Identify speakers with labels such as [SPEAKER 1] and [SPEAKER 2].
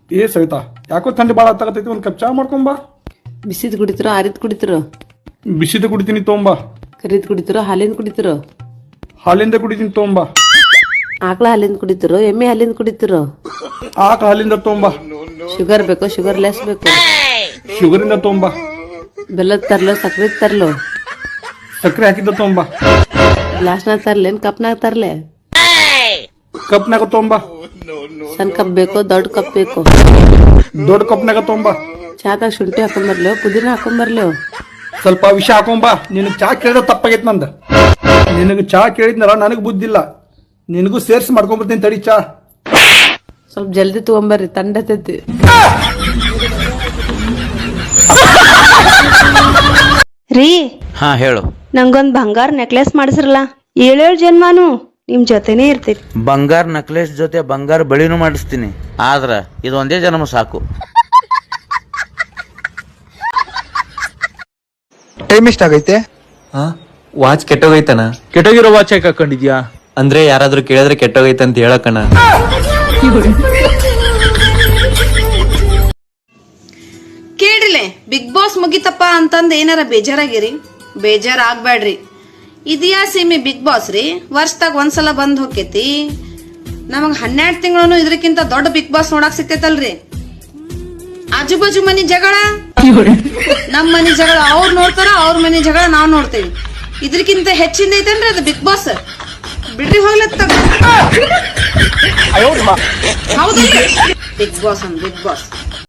[SPEAKER 1] ಏ ಸವಿತಾ, ಯಾಕೋ ಥಂಡಿ ಭಾಳ ಹತ್ತಾಗತೈತಿ, ಒಂದು ಕಪ್ ಚಾ ಮಾಡ್ಕೊಂಬಾ.
[SPEAKER 2] ಬಿಸಿದ್ ಕುಡಿತಿರೋ ಆರಿದ್ ಕುಡಿತಿರೋ?
[SPEAKER 1] ಬಿಸಿದ ಕುಡಿತೀನಿ ತೊಂಬಾ.
[SPEAKER 2] ಕರಿದ್ ಕುಡಿತಿರೋ ಹಾಲಿಂದ ಕುಡಿತಿರೋ?
[SPEAKER 1] ಹಾಲಿಂದ ಕುಡಿತೀನಿ ತೊಂಬಾ.
[SPEAKER 2] ಆಕಳ ಹಾಲಿಂದ ಕುಡಿತಿರೋ ಎಮ್ಮೆ ಹಾಲಿಂದ ಕುಡಿತಿರೋ?
[SPEAKER 1] ಆಕ ಹಾಲಿಂದ ತೊಂಬಾ.
[SPEAKER 2] ಶುಗರ್ ಬೇಕೋ ಶುಗರ್ ಲೆಸ್ ಬೇಕು?
[SPEAKER 1] ಶುಗರಿಂದ ತೊಂಬಾ.
[SPEAKER 2] ಬೆಲ್ಲದ ತರ್ಲೋ ಸಕ್ರೆ ತರ್ಲೋ?
[SPEAKER 1] ಸಕ್ಕರೆ ಹಾಕಿದ್ದ ತೊಂಬಾ.
[SPEAKER 2] ಗ್ಲಾಸ್ನಾಗ ತರ್ಲೇನ್ ಕಪ್ನಾಗ ತರ್ಲೆ?
[SPEAKER 1] ಕಪ್ನಾಗ ತೊಂಬಾ.
[SPEAKER 2] ಸಣ್ಣ ಕಪ್ ಬೇಕೋ ದೊಡ್ಡ ಕಪ್ ಬೇಕೋ?
[SPEAKER 1] ದೊಡ್ಡ ಕಪ್ನಾಗ ತೊಂಬಾ.
[SPEAKER 2] ಚಾದಾಗ ಶುಂಠಿ ಹಾಕೊಂಬರ್ಲೋ ಪುದೀನ ಹಾಕೊಂಬರ್ಲೋ?
[SPEAKER 1] ಸ್ವಲ್ಪ ವಿಷ ಹಾಕೊಂಬಾ. ನಿನಗೆ ಚಾ ಕೇಳಿದ್ರೆ ತಪ್ಪಾಗೈತೆ ನಂದ. ನಿನಗೆ ಚಾ ಕೇಳಿದ್ನಲ್ಲ, ನನಗೆ ಬುದ್ಧಿಲ್ಲ. ನಿನಗೂ ಸೇರ್ಸಿ ಮಾಡ್ಕೊಂಬರ್ತೀನಿ ತಡಿ ಚಾ.
[SPEAKER 2] ಸ್ವಲ್ಪ ಜಲ್ದಿ ತಗೊಂಬರ್ರಿ, ತಂಡತೈತಿ.
[SPEAKER 3] ರೀ
[SPEAKER 4] ಹಾ ಹೇಳು.
[SPEAKER 3] ನಂಗೊಂದ್ ಬಂಗಾರ ನೆಕ್ಲೆಸ್ ಮಾಡಿಸ್ರಲ್ಲ, 7 ಜನ್ಮಾನು ನಿಮ್ ಜೊತೆನೇ ಇರ್ತೈತಿ.
[SPEAKER 4] ಬಂಗಾರ ನೆಕ್ಲೆಸ್ ಜೊತೆ ಬಂಗಾರ ಬಳಿನೂ ಮಾಡಿಸ್ತೀನಿ, ಆದ್ರ ಇದೊಂದೇ ಜನ್ಮ ಸಾಕು.
[SPEAKER 5] ಟೈಮ್ ಎಷ್ಟಾಗೈತೆ?
[SPEAKER 6] ವಾಚ್ ಕೆಟ್ಟೋಗೈತನ?
[SPEAKER 7] ಕೆಟ್ಟೋಗಿರೋ ವಾಚ್ ಯಾಕೆ ಹಾಕೊಂಡಿದ್ಯಾ?
[SPEAKER 6] ಅಂದ್ರೆ ಯಾರಾದ್ರೂ ಕೇಳಿದ್ರೆ ಕೆಟ್ಟೋಗೈತೆ ಅಂತ ಹೇಳಕಣ.
[SPEAKER 8] ಕೇಳಿಲೆ ಬಿಗ್ ಬಾಸ್ ಮುಗಿತಪ್ಪ ಅಂತಂದ್ ಏನಾರ ಬೇಜಾರಾಗಿರಿ? ಬೇಜಾರ್ ಆಗ್ಬ್ಯಾಡ್ರಿ. ಇದ್ಯಾ ಸೀಮೆ ಬಿಗ್ ಬಾಸ್ ರೀ, ವರ್ಷದಾಗ ಒಂದ್ಸಲ ಬಂದ್ ಹೋಕೇತಿ. ನಮಗ್ 12 ತಿಂಗಳು ಇದ್ರಕ್ಕಿಂತ ದೊಡ್ಡ ಬಿಗ್ ಬಾಸ್ ನೋಡಕ್ ಸಿಕ್ತೈತಲ್ರಿ. ಆಜು ಬಾಜು ಮನಿ ಜಗಳ, ನಮ್ ಮನಿ ಜಗಳ ಅವ್ರು ನೋಡ್ತಾರ, ಅವ್ರ ಮನಿ ಜಗಳ ನಾವ್ ನೋಡ್ತೇವಿ. ಇದ್ರಕ್ಕಿಂತ ಹೆಚ್ಚಿಂದ ಐತೇನ್ರಿ ಅದು ಬಿಗ್ ಬಾಸ್? ಬಿಡ್ರಿ ಹೋಗ್ಲತ್ತ. ಹೌದು ಬಿಗ್ ಬಾಸ್ ಅಂದ್ ಬಿಗ್ ಬಾಸ್.